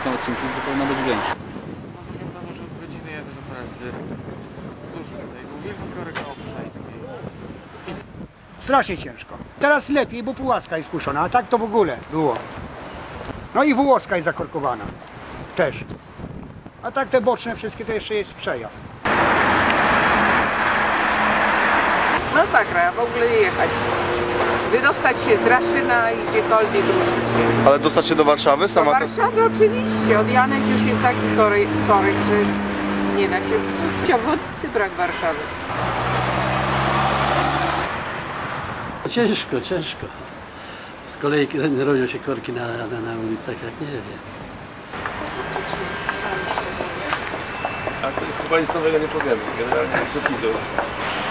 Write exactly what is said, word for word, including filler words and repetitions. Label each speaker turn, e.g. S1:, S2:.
S1: są odcinki, to powinno być większe.
S2: No wygląda, że od godziny jadę do pracy. Cóż z tego, wielki korek na Opuszańskiej.
S3: Strasznie ciężko. Teraz lepiej, bo Pułaska jest puszczona, a tak to w ogóle było. No i Włoska jest zakorkowana. Też. A tak te boczne wszystkie to jeszcze jest przejazd.
S4: Masakra, w ogóle jechać. Wydostać się z Raszyna i gdziekolwiek ruszyć się.
S5: Ale dostać się do Warszawy
S4: Do
S5: sama?
S4: Warszawy oczywiście, od Janek już jest taki korek, korek, że nie da się w obwodnicy brak Warszawy.
S6: Ciężko, ciężko. Z kolei robią się korki na, na, na ulicach, jak nie wiem.
S1: A to chyba nic nowego nie powiemy. Generalnie jest do kidu.